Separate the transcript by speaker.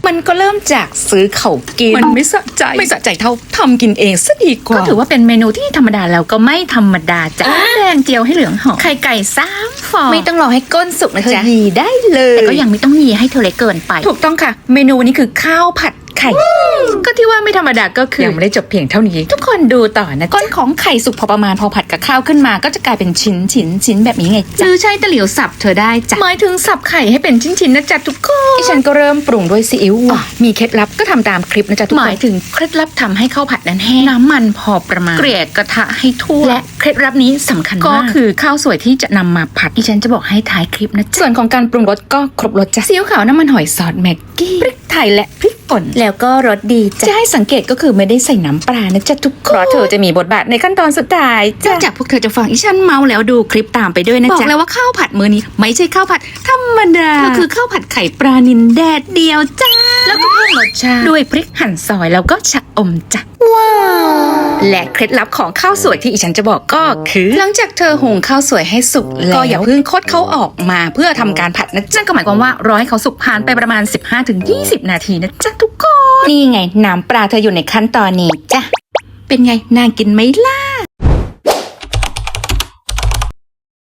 Speaker 1: มันก็เริ่มจากซื้อเขากินมันไม่สะใจเท่าทำกินเองซะดีกว่า
Speaker 2: ก็ถือว่าเป็นเมนูที่ธรรมดาแล้วก็ไม่ธรรมดาจ้ะแดงเจียวให้เหลืองหอมไข่ไก่3 ฟอง
Speaker 1: ไม่ต้องรอให้ก้นสุกนะจ๊ะยีได้เลย
Speaker 2: แต่ก็ยังไม่ต้องยีให้เธอเล็กเกินไป
Speaker 1: ถูกต้องค่ะ เมนูวันนี้คือข้าวผัดไข่
Speaker 2: ก็ที่ว่าไม่ธรรมดาก็คือ
Speaker 1: ยังไม่ได้จบเพียงเท่านี้
Speaker 2: ทุกคนดูต่อนะ
Speaker 1: ก้นของไข่สุกพอประมาณพอผัดกับข้าวขึ้นมาก็จะกลายเป็นชิ้นแบบนี้ไง
Speaker 2: ห
Speaker 1: จ๊ะ
Speaker 2: รือใช้ตะหลิวสับเธอได้จ้ะหมายถึงสับไข่ให้เป็นชิ้นๆนะจ๊ะทุกคน
Speaker 1: ดิฉันก็เริ่มปรุงด้วยซีอิ๊วหวานมีเคล็ดลับก็ทำตามคลิปนะจ๊ะทุก
Speaker 2: ห
Speaker 1: ค
Speaker 2: มาย
Speaker 1: น
Speaker 2: ถึงเคล็ดลับทำให้ข้าวผัดนั้นแห้งน้ำมันพอประมาณเกลี่ยกระทะให้ทั่วและเคล็ดลับนี้สำคัญมากก็คือข้าวสวยที่จะนำมาผัดดิฉันจะบอกให้ท้ายคลิปนะจ๊ะ
Speaker 1: ส่วนของการปรุงรสก็ครบรสจ้ะซีอิ๊วขาวน้ำมันหอยซอสแม็กกี้พริกไทยและพริกป่น
Speaker 2: แล้วก็รสดีจ้ะ
Speaker 1: จะให้สังเกตก็คือไม่ได้ใส่น้ำปลานะจ๊ะทุกคนเพราะเธอจะมีบทบาทในขั้นตอนสุดท้าย
Speaker 2: นอกจากพวกเธอจะฟังอีฉันเมาแล้วดูคลิปตามไปด้วยนะ
Speaker 1: บอก
Speaker 2: จ๊ะ
Speaker 1: แล้วว่าข้าวผัดมื้อนี้ไม่ใช่ข้าวผัดธรรมดา
Speaker 2: ก็คือข้าวผัดไข่ปลานิลแดดเดียวจ้าแล้วก็เพิ่มรสชาติด้วยพริกหั่นซอยแล้วก็ชะอมจ้ะ
Speaker 1: และเคล็ดลับของข้าวสวยที่อีฉันจะบอกก็คือ หลังจากเธอหุงข้าวสวยให้สุกแล้วก็อย่าเพิ่งคดเขาออกมาเพื่อทำการผัดนะจ๊ะ
Speaker 2: นั่นก็หมายความว่ารอให้เขาสุกผ่านไปประมาณ 15-20 นาทีนะจ๊ะทุกคน
Speaker 1: นี่ไงน้ำปลาเธออยู่ในขั้นตอนนี้จ้ะเป็นไงน่ากินไหมล่ะ